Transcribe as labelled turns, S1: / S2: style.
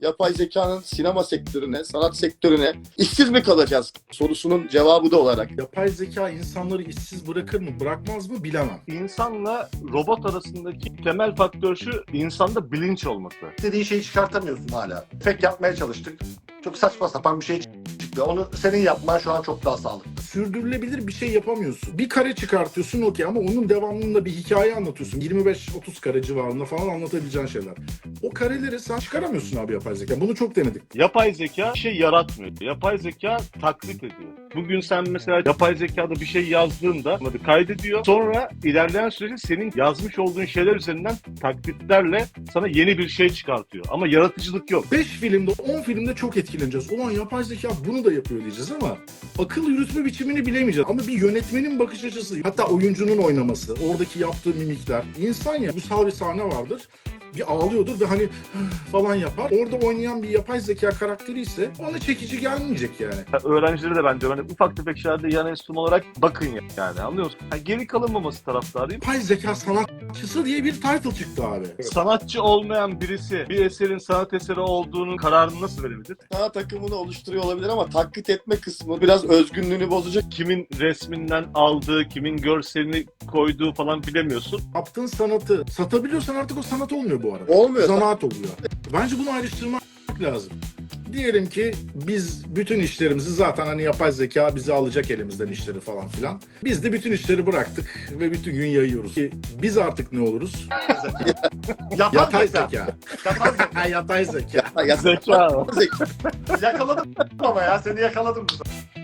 S1: yapay zekanın sinema sektörüne, sanat sektörüne işsiz mi kalacağız sorusunun cevabı da olarak.
S2: Yapay zeka insanları işsiz bırakır mı, bırakmaz mı bilemem.
S3: İnsanla robot arasındaki temel faktör şu, insanda bilinç olması.
S4: İstediğin şeyi çıkartamıyorsun hala. Efekt yapmaya çalıştık. Çok saçma sapan bir şey çıktı. Onu senin yapman şu an çok daha sağlıklı.
S2: Sürdürülebilir bir şey yapamıyorsun. Bir kare çıkartıyorsun okey ama onun devamında bir hikaye anlatıyorsun. 25-30 kare civarında falan anlatabileceğin şeyler. O kareleri sen çıkaramıyorsun abi yapay zeka. Bunu çok denedik.
S3: Yapay zeka bir şey yaratmıyor. Yapay zeka taklit ediyor. Bugün sen mesela yapay zekada bir şey yazdığında onları kaydediyor. Sonra ilerleyen süreçte senin yazmış olduğun şeyler üzerinden taklitlerle sana yeni bir şey çıkartıyor. Ama yaratıcılık yok.
S2: 5 filmde, 10 filmde çok etkileneceğiz. Ulan yapay zeka bunu da yapıyor diyeceğiz ama akıl yürütme biçimini bilemeyeceğiz. Ama bir yönetmenin bakış açısı, hatta oyuncunun oynaması, oradaki yaptığı mimikler. İnsan ya, duygusal bir sahne vardır. Bir ağlıyordur ve hani falan yapar. Orada oynayan bir yapay zeka karakteri ise ona çekici gelmeyecek yani.
S3: Öğrencilere de ben diyorum hani ufak tefek şeylerde yan enstrüman olarak bakın yani, anlıyor musun? Yani geri kalınmaması taraftarıyım.
S2: Yapay zeka sanatçısı diye bir title çıktı abi.
S3: Sanatçı olmayan birisi bir eserin sanat eseri olduğunun kararını nasıl verebilir?
S1: Sanat takımını oluşturuyor olabilir ama taklit etme kısmı biraz özgünlüğünü bozacak.
S3: Kimin resminden aldığı, kimin görselini koyduğu falan bilemiyorsun.
S2: Yaptığın sanatı satabiliyorsan artık o sanat olmuyor bu arada.
S1: Olmuyor.
S2: Zanaat oluyor. Bence bunu ayrıştırmak lazım. Diyelim ki biz bütün işlerimizi zaten hani yapay zeka bizi alacak elimizden işleri falan filan. Biz de bütün işleri bıraktık ve bütün gün yayıyoruz. Ki biz artık ne oluruz? Yatay zeka.
S4: Yapay zeka.
S2: Yatay zeka.
S1: Ya,
S3: Zeka.
S1: zeka.
S4: Yakaladım ama ya seni yakaladım.